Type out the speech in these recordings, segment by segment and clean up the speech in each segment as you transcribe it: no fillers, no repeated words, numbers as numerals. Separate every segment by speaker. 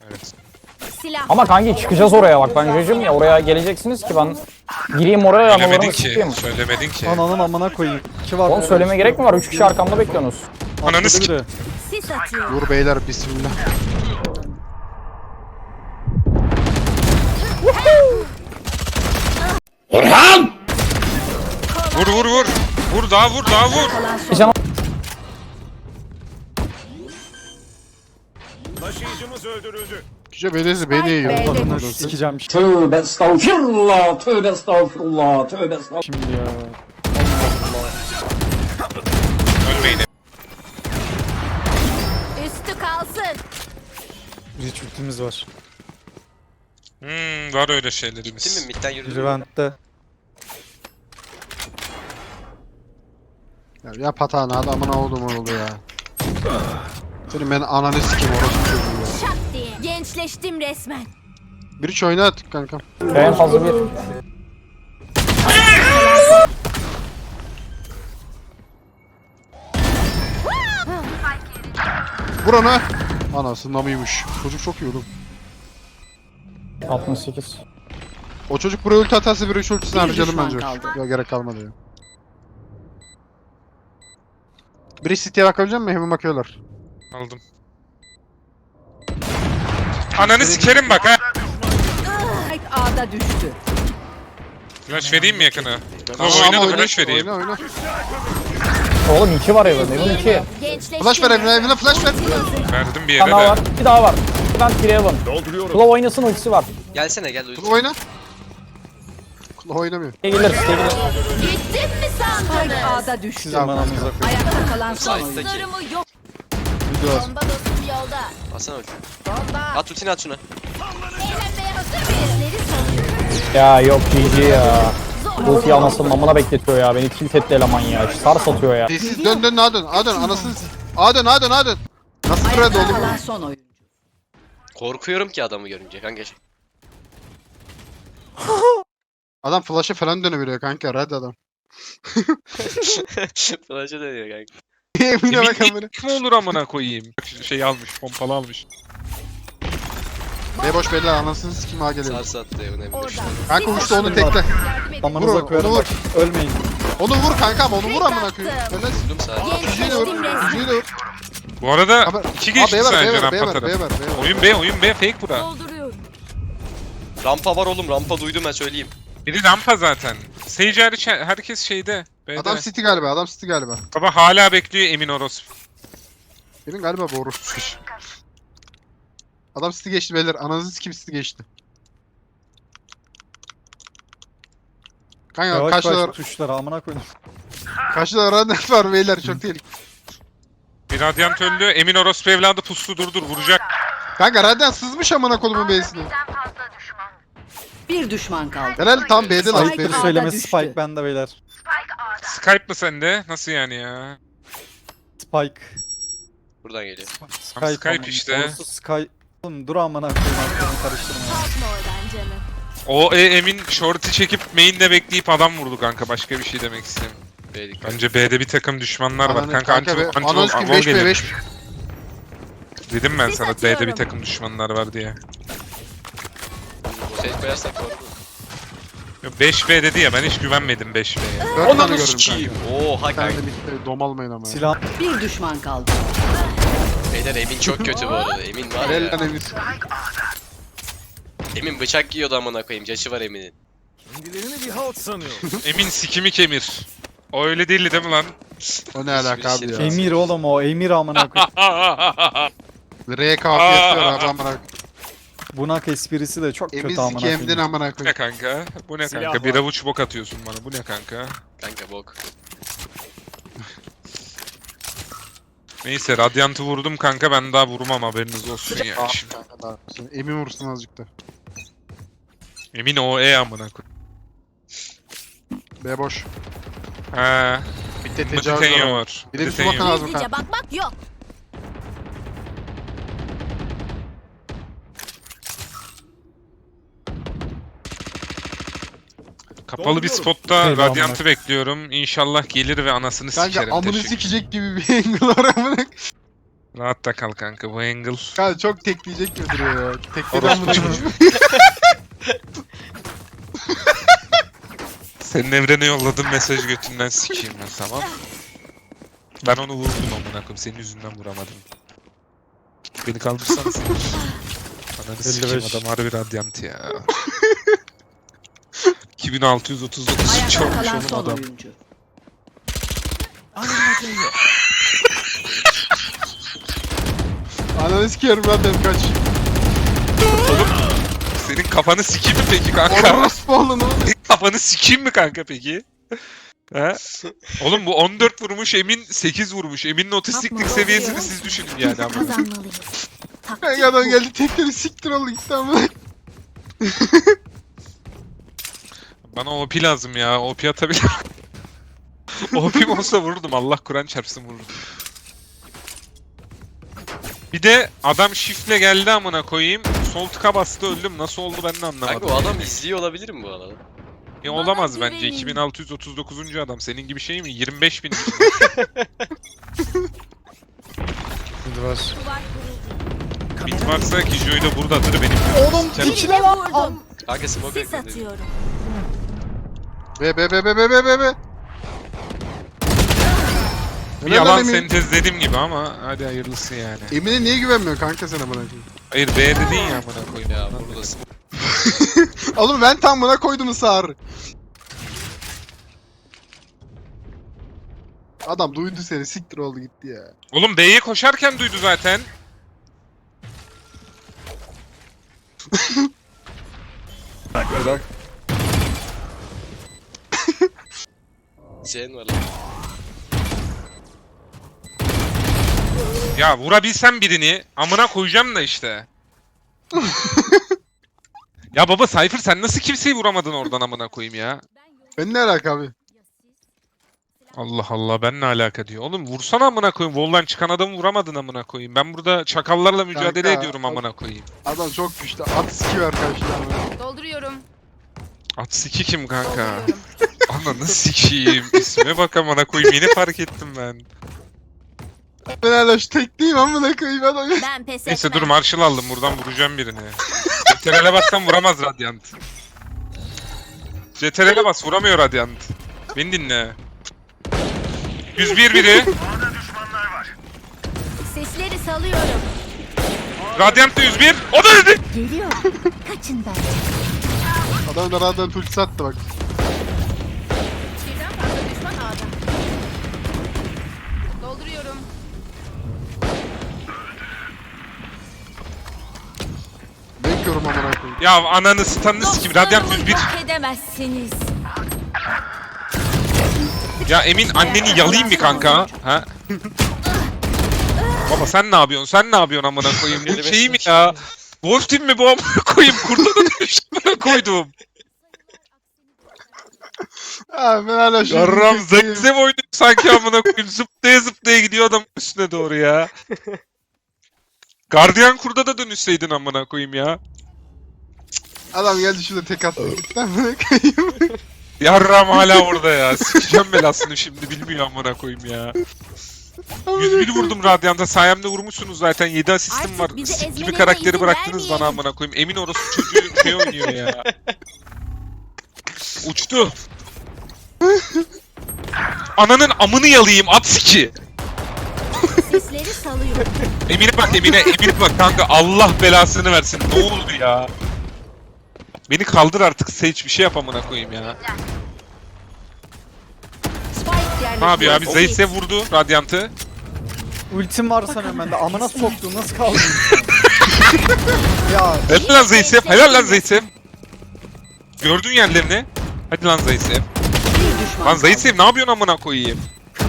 Speaker 1: Evet.
Speaker 2: Silah.
Speaker 3: Ama kanki çıkacağız oraya bak ben judge'ım ya oraya geleceksiniz ki ben gireyim oraya
Speaker 1: Söylemedin
Speaker 3: analarımı
Speaker 1: ki.
Speaker 3: sikeyim.
Speaker 1: Söylemedin ki.
Speaker 4: Ananın amına koyayım. 2 var.
Speaker 3: Oğlum söyleme gerek mi var? 3 kişi arkamda bekliyorsunuz.
Speaker 1: Ananı
Speaker 4: Atladı
Speaker 1: sik-
Speaker 4: biri.
Speaker 2: Sis atıyor.
Speaker 5: Dur beyler bismillah.
Speaker 1: Vur vur vur. Vur daha vur daha vur.
Speaker 3: Can
Speaker 6: Taşıyıcımız öldürüldü.
Speaker 5: Küçük beni yiyor.
Speaker 4: Ananı sikeceğim
Speaker 3: Tövbe estağfirullah, tövbe estağfirullah, tövbe estağfirullah.
Speaker 4: şimdi ya.
Speaker 1: Ölmeyin.
Speaker 2: Üstü kalsın.
Speaker 4: Hiç ultimiz var.
Speaker 1: Var öyle şeylerimiz.
Speaker 7: Değil mi? Mid'den yürüdüm.
Speaker 4: Rivent'te.
Speaker 5: Ya patağını adamına oldum oldu ya. Senin ben ananı sikeyim orası çocuğu ya.
Speaker 2: Şak diye. Gençleştim resmen.
Speaker 5: Bir üç oyna at kankam.
Speaker 3: En fazla bir.
Speaker 5: Vur ona. Anasından mıymış? Çocuk çok iyi oğlum.
Speaker 3: 68.
Speaker 5: O çocuk buraya ulti atarsa bir üç ultisini harcayalım
Speaker 2: düşman
Speaker 5: bence.
Speaker 2: kaldı.
Speaker 5: Yok gerek kalmadı ya. Biri City'ye bakabilecek misin? Hemen bakıyorlar.
Speaker 1: Aldım. Ananı sikerim bak ha.
Speaker 8: Spike A'da düştü.
Speaker 1: Flash vereyim mi yakına?
Speaker 5: Tamam,
Speaker 1: Oyna da
Speaker 5: oyna,
Speaker 1: flash vereyim.
Speaker 5: oyna.
Speaker 3: Oğlum 2 var evde, evin 2.
Speaker 2: Gençleştim.
Speaker 5: Flash ver evine flash ver.
Speaker 1: Verdim bir
Speaker 3: Bir
Speaker 1: yere
Speaker 3: tane daha
Speaker 1: de.
Speaker 3: var, 2 daha var. Ben 1 Evan.
Speaker 6: Dolduruyorum.
Speaker 3: Claw oynasın ultisi var.
Speaker 7: Gelsene gel uyut.
Speaker 5: Kulağı oyna. Kulağı oynamıyor.
Speaker 3: Gelir, gelir.
Speaker 2: Gittim mi
Speaker 8: Spike
Speaker 2: sandınız?
Speaker 8: A'da düştü.
Speaker 4: Sizin manamıza koyayım.
Speaker 8: Ayakta kalan son oyuncu.
Speaker 2: Dostlarımı yok.
Speaker 5: Gidiyorlar.
Speaker 2: Bomba dostum yolda.
Speaker 7: Atsana ulti.
Speaker 2: Bomba.
Speaker 7: At ultini at şuna.
Speaker 2: Eğlenmeye hazır mıyız? Neleri savunuyor?
Speaker 3: Ya yok GG ya. Ulti anasının amına bekletiyor ya. Beni tilt etti eleman ya. Sar satıyor ya.
Speaker 5: Sessiz dön A dön anasını A dön. Nasıl red
Speaker 8: Ayakta
Speaker 5: oğlum?
Speaker 8: kalan son oyuncu.
Speaker 7: Korkuyorum ki adamı görünce kanka.
Speaker 5: Adam flash'a falan dönebiliyor kanka red adam.
Speaker 7: Flash'a dönüyor kanka.
Speaker 5: Emine bak amına.
Speaker 1: Kim olur amına koyayım? Şey almış, pompalı almış.
Speaker 5: B boş belli anasını sikim A geliyor.
Speaker 7: Sarsı attı evine bir de.
Speaker 2: Orada.
Speaker 5: Kanka uçtu onu tekle.
Speaker 2: Yardım edin.
Speaker 4: Amanıza
Speaker 5: Vur,
Speaker 4: koyarım
Speaker 5: onu
Speaker 4: bak. Ölmeyin.
Speaker 5: Onu vur kankam onu vur amına koyayım. Helal.
Speaker 7: Vurdum sadece.
Speaker 5: Yüzüğü de vur. Yüzüğü de vur.
Speaker 1: Bu arada
Speaker 5: Abi,
Speaker 1: iki
Speaker 5: A
Speaker 1: geçti
Speaker 5: B var
Speaker 1: sence
Speaker 5: B var
Speaker 1: rampa
Speaker 5: B var
Speaker 1: tarafı.
Speaker 5: B var.
Speaker 1: Oyun B, fake bura.
Speaker 2: Dolduruyorum.
Speaker 7: Rampa var oğlum, rampa duydum ben söyleyeyim.
Speaker 1: Biri rampa zaten. Sage hariç herkes şeyde. B'de.
Speaker 5: Adam City galiba.
Speaker 1: Baba hala bekliyor Emin Orospu.
Speaker 5: Benim galiba bu orospu. Adam City geçti beyler. Ananızı sikim City geçti. Kanka
Speaker 4: Yavaş
Speaker 5: karşıda
Speaker 4: yavaş tuşlara amına koyayım.
Speaker 5: Radnet var beyler çok tehlikeli.
Speaker 1: Bir radyant öldü. Emin Orospu evladı puslu durdur vuracak.
Speaker 5: Kanka Radnet sızmış amına kolumun B'sine.
Speaker 8: Bir düşman kaldı.
Speaker 5: Helal tam B'de lan
Speaker 8: Spike
Speaker 5: B'de.
Speaker 8: A'da
Speaker 4: Söylemesi
Speaker 8: düştü.
Speaker 4: Spike bende beyler.
Speaker 1: Skype mı sende? Nasıl yani ya?
Speaker 4: Spike.
Speaker 7: Buradan geliyor.
Speaker 1: Skype
Speaker 4: amına-
Speaker 1: işte.
Speaker 4: Orası Skype. Oğlum dur amına koyayım aklını karıştırma.
Speaker 2: Kalkma oradan canım.
Speaker 1: O Emin short'ı çekip main'de bekleyip adam vurdu kanka. Başka bir şey demek istemiyorum.
Speaker 7: B'lik.
Speaker 1: Bence B'de bir takım düşmanlar var.
Speaker 5: Ananı
Speaker 1: Kanka anti
Speaker 5: be.
Speaker 1: anti
Speaker 5: Ananız kim
Speaker 1: vol
Speaker 5: 5 B
Speaker 1: gelir.
Speaker 5: 5.
Speaker 1: Dedim ben
Speaker 2: Sis
Speaker 1: sana
Speaker 2: atıyorum.
Speaker 1: B'de bir takım düşmanlar var diye.
Speaker 7: O seyit koyarsak doğru.
Speaker 1: 5B dedi ya ben hiç güvenmedim 5B'ye.
Speaker 5: 4 tane
Speaker 7: Ananı
Speaker 5: gördüm
Speaker 7: sikiyim.
Speaker 5: kanka.
Speaker 7: Oha
Speaker 5: Bir tane
Speaker 7: kanka.
Speaker 5: de bitti. Domalmayın ama. ya.
Speaker 4: Silah.
Speaker 8: Bir düşman kaldı.
Speaker 7: Beyler Emin çok kötü bu arada. Emin var
Speaker 5: Helal
Speaker 7: ya.
Speaker 5: lan Emir.
Speaker 7: Emin bıçak yiyordu amına koyayım. Caşı var Emin'in.
Speaker 6: Kendilerini bir halt sanıyor.
Speaker 1: Emin sikimi kemir. O öyle değildi değil mi lan?
Speaker 5: O ne alaka abi ya.
Speaker 4: Emir oğlum o. Emir amına koyayım.
Speaker 5: R kapı yapıyor abi amına koyayım.
Speaker 4: Bunak esprisi de çok
Speaker 5: Emir
Speaker 4: kötü amına
Speaker 5: sikemdin
Speaker 4: koyayım.
Speaker 5: amına
Speaker 1: Bu ne
Speaker 5: koyayım.
Speaker 1: kanka? Bu ne
Speaker 6: Silah
Speaker 1: kanka?
Speaker 6: var.
Speaker 1: Bir avuç bok atıyorsun bana. Bu ne kanka?
Speaker 7: Kanka bok.
Speaker 1: Neyse Radiant'ı vurdum kanka ben daha vurmam haberiniz olsun yani
Speaker 5: Ah
Speaker 1: şimdi.
Speaker 5: kanka daha. Şimdi Emin vursun azıcık da.
Speaker 1: Emin o amına koy.
Speaker 5: B boş.
Speaker 1: Ha.
Speaker 5: Bitti
Speaker 1: Bunda
Speaker 5: tecavüz var.
Speaker 1: Tenyo
Speaker 5: ama.
Speaker 1: var.
Speaker 5: Bir de bir
Speaker 1: Tenyo.
Speaker 5: bakın lazım
Speaker 2: Gizlice
Speaker 5: kanka.
Speaker 2: bakmak yok.
Speaker 1: Kapalı bir spotta
Speaker 4: Eyvallah.
Speaker 1: Radiant'ı bekliyorum. İnşallah gelir ve anasını
Speaker 5: Kanka
Speaker 1: sikerim.
Speaker 5: amını
Speaker 1: Teşekkür.
Speaker 5: sikecek gibi bir angle var amına.
Speaker 1: Rahatta kal kanka bu angle.
Speaker 5: Kanka çok tekleyecek mi duruyor ya? Tekleden
Speaker 1: Orospu
Speaker 5: bunu
Speaker 1: çocuğu. Senin evrene yolladığın mesaj götünden sikeyim ben, tamam. Ben onu vurdum amına koyayım. Senin yüzünden vuramadım. Beni kaldırsana sen. Ananı sikeyim,
Speaker 4: 55.
Speaker 1: adam harbi radyant ya. 2639
Speaker 8: Ayakta
Speaker 1: çok
Speaker 8: kalan
Speaker 1: oğlum
Speaker 8: son
Speaker 1: adam.
Speaker 8: oyuncu.
Speaker 5: Ananı sikerim lan dedim kaç.
Speaker 1: Senin kafanı sikeyim mi peki kanka?
Speaker 5: Orospu oğlum oğlum.
Speaker 1: Senin kafanı sikeyim mi kanka peki? He? Oğlum bu 14 vurmuş, Emin 8 vurmuş. Emin'in otistiklik seviyesini siz düşünün yani ama.
Speaker 2: Kazanmalıyız.
Speaker 5: Kanka adam geldi tekleri siktir oldu gitti ama.
Speaker 1: Bana OP lazım ya. OP atabilir. OP'm olsa vururdum. Allah Kur'an çarpsın vururdum. Bir de adam shift'le geldi amına koyayım. Sol tıka bastı, öldüm. Nasıl oldu ben de
Speaker 7: Kanka
Speaker 1: anlamadım.
Speaker 7: o adam izliyor olabilir mi bu arada?
Speaker 1: Olamaz bence.
Speaker 2: güvenin.
Speaker 1: 2639. adam. Senin gibi şey mi? 25.000.
Speaker 5: Hadi var.
Speaker 1: Bit varsa Kijoy da buradadır benim.
Speaker 3: Oğlum
Speaker 2: Birini vurdum.
Speaker 7: Kanka smoke
Speaker 2: Sis
Speaker 7: bekliyor.
Speaker 2: atıyorum.
Speaker 5: Be.
Speaker 1: Bir yalan sentezlediğim gibi ama hadi hayırlısı yani.
Speaker 5: Emin'e niye güvenmiyor kanka sen amına koyayım?
Speaker 1: Hayır B dedin ya amına koyayım.
Speaker 7: Ya burada smoke.
Speaker 5: Oğlum ben tam buna koydum sağır. Adam duydu seni siktir oldu gitti ya.
Speaker 1: Oğlum B'ye koşarken duydu zaten.
Speaker 7: Zen var lan.
Speaker 1: Ya vurabilsem birini amına koyacağım da işte. Ya baba Cypher sen nasıl kimseyi vuramadın oradan amına koyayım ya?
Speaker 5: Ben ne alaka abi?
Speaker 1: Allah Allah ben ne alaka diyor. Oğlum vursana amına koyayım. Vol'dan çıkan adamı vuramadın amına koyayım. Ben burada çakallarla mücadele
Speaker 5: Kanka,
Speaker 1: ediyorum amına koyayım.
Speaker 5: Adam çok güçlü. At sikiyor karşıdan.
Speaker 2: Dolduruyorum.
Speaker 1: At siki kim kanka? Ananı sikeyim. İsme bak amına koyayım. Yeni fark ettim ben.
Speaker 5: Ben hala şu tekliyim amına koyayım adam.
Speaker 2: Ben pes
Speaker 1: Neyse
Speaker 2: etmem.
Speaker 1: dur Marshall aldım. Buradan vuracağım birini. CTRL'e bassam vuramaz Radiant. CTRL'e bas vuramıyor Radiant. Beni dinle. 101 biri.
Speaker 2: Sesleri salıyorum.
Speaker 1: Radiant da 101. O da öldü.
Speaker 2: Geliyor. Kaçın ben.
Speaker 5: Adam da radyan tulsi sattı bak.
Speaker 2: Birden fazla düşman ağda. Dolduruyorum.
Speaker 5: Bekliyorum amına koyayım.
Speaker 1: Ya ananı stun'ını sikim. Radiant 101.
Speaker 2: Yok edemezsiniz.
Speaker 1: Ya Emin anneni yalayayım mı kanka? Ha? Baba sen ne yapıyorsun? Sen ne yapıyorsun amına koyayım? Bu şey mi ya? Wolf Team mi bu amına koyayım? Kurda da düşmana koydum.
Speaker 5: Abi ben hala şu
Speaker 1: Yarram zevzev oynuyor sanki amına koyayım. Zıplaya zıplaya gidiyor adam üstüne doğru ya. Gardiyan kurda da dönüşseydin amına koyayım ya.
Speaker 5: Adam geldi şurada tek attı gitti amına koyayım.
Speaker 1: Yarram hala orada ya. Sikeceğim belasını şimdi bilmiyor amına koyayım ya. 101 vurdum Radiant'a. Sayemde vurmuşsunuz zaten. 7 asistim var.
Speaker 2: Artık bizi
Speaker 1: Sik gibi
Speaker 2: ezmelerine
Speaker 1: karakteri
Speaker 2: izin
Speaker 1: bıraktınız bana
Speaker 2: vermeyin.
Speaker 1: amına koyayım. Emin orası çocuğu şey oynuyor ya. Uçtu. Ananın amını yalayayım at siki.
Speaker 2: Sesleri salıyorum.
Speaker 1: Emine bak Emine bak kanka Allah belasını versin. Ne oldu ya? Beni kaldır artık Sage bir şey yap amına koyayım ya.
Speaker 8: Spike yerleştirildi.
Speaker 1: Ne yapıyor abi? Zayt'se vurdu Radiant'ı.
Speaker 4: Ultim var sanıyorum ben de. Amına soktum nasıl kaldın? ya
Speaker 1: Helal lan Zayt'se. Helal lan Zayt'se. Gördün yerlerini. Hadi lan Zayt'se.
Speaker 8: Bir düşman
Speaker 1: Lan
Speaker 8: kaldı.
Speaker 1: Zayt'se ne yapıyorsun amına koyayım?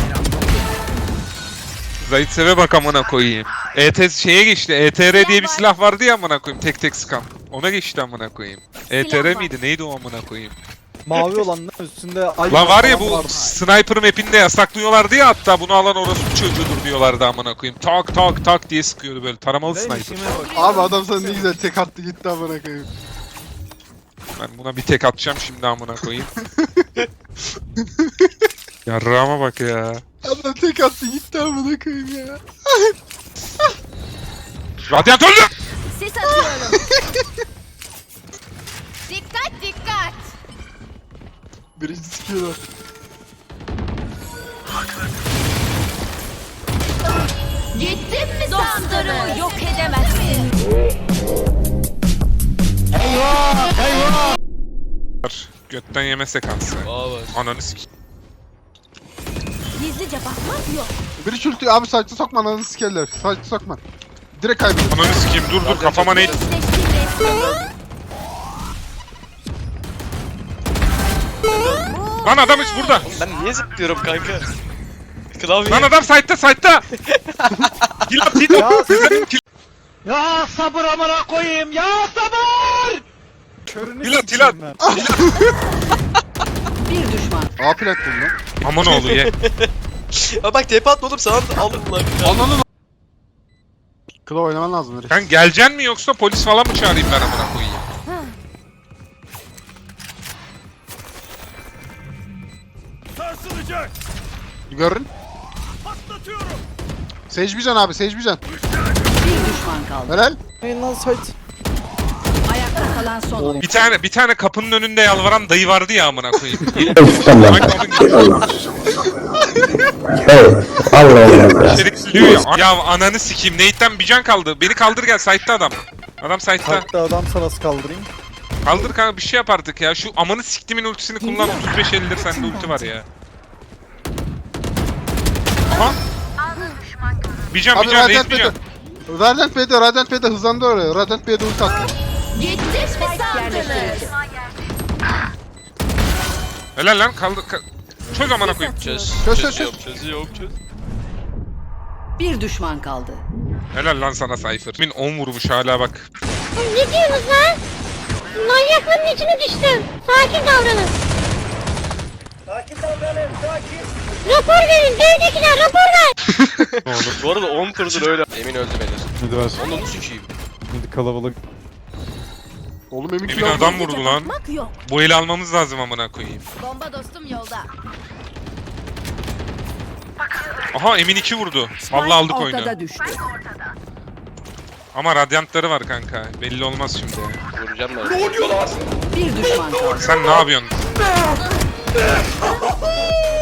Speaker 1: Zayt'se bak amına koyayım. ET şeye geçti. ETR diye bir silah vardı ya amına koyayım. Tek tek sıkan. Ona geçti amına koyayım. ETR
Speaker 2: var.
Speaker 1: miydi? Neydi o amına koyayım?
Speaker 4: mavi olanın üstünde ay
Speaker 1: Lan var ya
Speaker 4: falan
Speaker 1: bu
Speaker 4: vardı.
Speaker 1: sniper map'inde yasaklıyorlardı ya, hatta bunu alan orospu çocuğudur diyorlardı amına koyayım. Tak tak tak diye sıkıyordu böyle taramalı sniper.
Speaker 5: Abi adam sana ne güzel tek attı gitti amına koyayım.
Speaker 1: Ben buna bir tek atacağım şimdi amına koyayım. Yarrağıma bak ya.
Speaker 5: Adam tek attı gitti amına koyayım ya.
Speaker 1: Radyant öldü!
Speaker 2: Sis atıyorum. Dikkat dikkat.
Speaker 5: Birinci sikiyorlar.
Speaker 2: Gittim mi dostlarımı yok edemezsin.
Speaker 1: Götten yeme sekansı.
Speaker 7: Aa var.
Speaker 1: Ananı sikeyim.
Speaker 2: Gizlice bakmak yok.
Speaker 5: Biri çürütüyor abi saçlı sokma ananı sikerler. Saçlı sokma. Direkt kaybediyor.
Speaker 1: Ananı sikeyim dur kafama ne?
Speaker 2: Eşleştim resmen.
Speaker 1: Lan adam hiç burada.
Speaker 7: Ben niye zıplıyorum kanka? Klavye.
Speaker 1: Lan adam site'ta. Kill at kill at.
Speaker 4: Ya sabır amına koyayım ya sabır! Körünü
Speaker 1: Tilat,
Speaker 4: sikeyim
Speaker 1: tilat.
Speaker 4: ben.
Speaker 8: Bir düşman.
Speaker 5: A plat buldum lan.
Speaker 1: Aman oğlu ye.
Speaker 7: Aa bak TP atma oğlum sana da aldılar.
Speaker 5: Ananı Kıla oynaman lazım herif.
Speaker 1: Sen geleceksin mi yoksa polis falan mı çağırayım ben amına koyayım?
Speaker 6: Sarsılacak.
Speaker 5: Görün.
Speaker 6: Patlatıyorum.
Speaker 5: Secbican abi Secbican.
Speaker 8: Bir düşman kaldı.
Speaker 5: Helal.
Speaker 4: Hey lan site.
Speaker 8: Ayakta kalan son oyun.
Speaker 1: Bir tane kapının önünde yalvaran dayı vardı ya amına koyayım. Hangi kapının içerik diyor ya. Ya ananı sikeyim. Nate'den bir can kaldı. Beni kaldır gel. Site'da adam. Adam site'da.
Speaker 4: Hatta adam sana nasıl kaldırayım?
Speaker 1: Kaldır kanka bir şey yap artık ya. Şu amanı siktimin ultisini kullan. 35-50'dir sende ulti var ya. Aha. Bir can
Speaker 5: Abi
Speaker 1: Raze
Speaker 5: Radiant
Speaker 1: bir can.
Speaker 5: B'de. Radiant B'de hızlandı oraya. Radiant B'de ult attı.
Speaker 2: Gittim mi sandınız?
Speaker 8: Yerleştirildi.
Speaker 1: Helal lan kaldır. Çöz amına koyayım.
Speaker 7: Çöz.
Speaker 5: Çöz.
Speaker 7: Çözüyorum.
Speaker 8: Bir düşman kaldı.
Speaker 1: Helal lan sana Cypher. Min 10 vurmuş hala bak.
Speaker 2: Ne diyorsunuz lan? Manyaklığın içine düştüm. Sakin davranın. Rapor verin. Devdekiler rapor ver.
Speaker 1: Ne olur.
Speaker 7: Bu arada 10 turdur öyle. Emin öldü beyler.
Speaker 4: Midi ver.
Speaker 7: Onu sikeyim.
Speaker 4: Midi kalabalık.
Speaker 5: Oğlum emin
Speaker 1: Emin
Speaker 5: kilo
Speaker 1: adam vurdu lan.
Speaker 2: Bakmak yok.
Speaker 1: Bu eli almamız lazım amına koyayım.
Speaker 2: Bomba dostum yolda.
Speaker 1: Aha Emin 2 vurdu. Vallahi aldık oyunu.
Speaker 8: Ortada düştü.
Speaker 1: Ama radyantları var kanka. Belli olmaz şimdi.
Speaker 7: Vuracağım ben.
Speaker 8: Bir düşman kaldı.
Speaker 1: Sen ne yapıyorsun?